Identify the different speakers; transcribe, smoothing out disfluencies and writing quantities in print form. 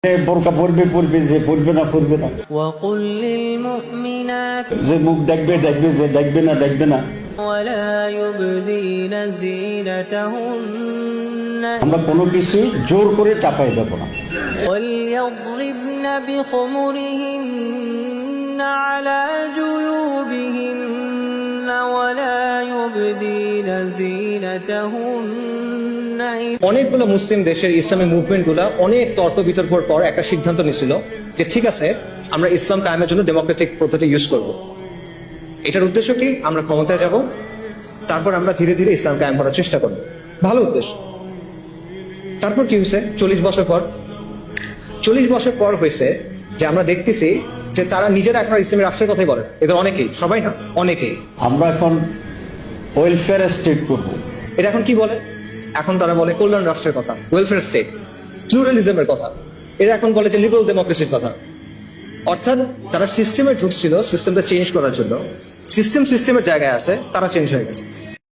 Speaker 1: বোরকা পরবে পরবে, যে পরবে না পরবে না,
Speaker 2: وقل للمؤمنات
Speaker 1: যে মুখ দেখবে দেখবে, যে দেখবে না দেখবে না।
Speaker 2: ولا يبدين زينتهن
Speaker 1: আমরা কোনো কিছু জোর করে চাপাই দেব না।
Speaker 2: وليضربن بخمرهن على جيوبهن ولا يبدين زينتهن
Speaker 3: অনেকগুলো মুসলিম দেশের ইসলামী মুভমেন্ট গুলা অনেক তর্ক বিতর্কের পর একটা সিদ্ধান্ত নিয়েছিল যে ঠিক আছে, আমরা ইসলাম কায়েমের জন্য ডেমোক্রেটিক পদ্ধতি ইউজ করব। এটার উদ্দেশ্য কি? আমরা ক্ষমতায় যাব, তারপর আমরা ধীরে ধীরে ইসলাম কায়েম করার চেষ্টা করব। ভালো উদ্দেশ্য। তারপর কি হয়েছে? 40 বছর পর হয়েছে যে আমরা দেখতেছি যে তারা নিজেরা এখন ইসলামী রাষ্ট্রের কথাই বলে। এদের অনেকেই, সবাই না, অনেকেই।
Speaker 1: আমরা এখন ওয়েলফেয়ার স্টেট করব।
Speaker 3: এটা এখন কি বলে? এখন তারা বলে কল্যাণ রাষ্ট্রের কথা, ওয়েলফেয়ার স্টেট, প্লুরালিজমের কথা। এরা এখন বলে যে লিবারাল ডেমোক্রেসির কথা। অর্থাৎ তারা সিস্টেমে ঢুকছিল সিস্টেমটা চেঞ্জ করার জন্য, সিস্টেমের জায়গায় আছে, তারা চেঞ্জ হয়ে গেছে।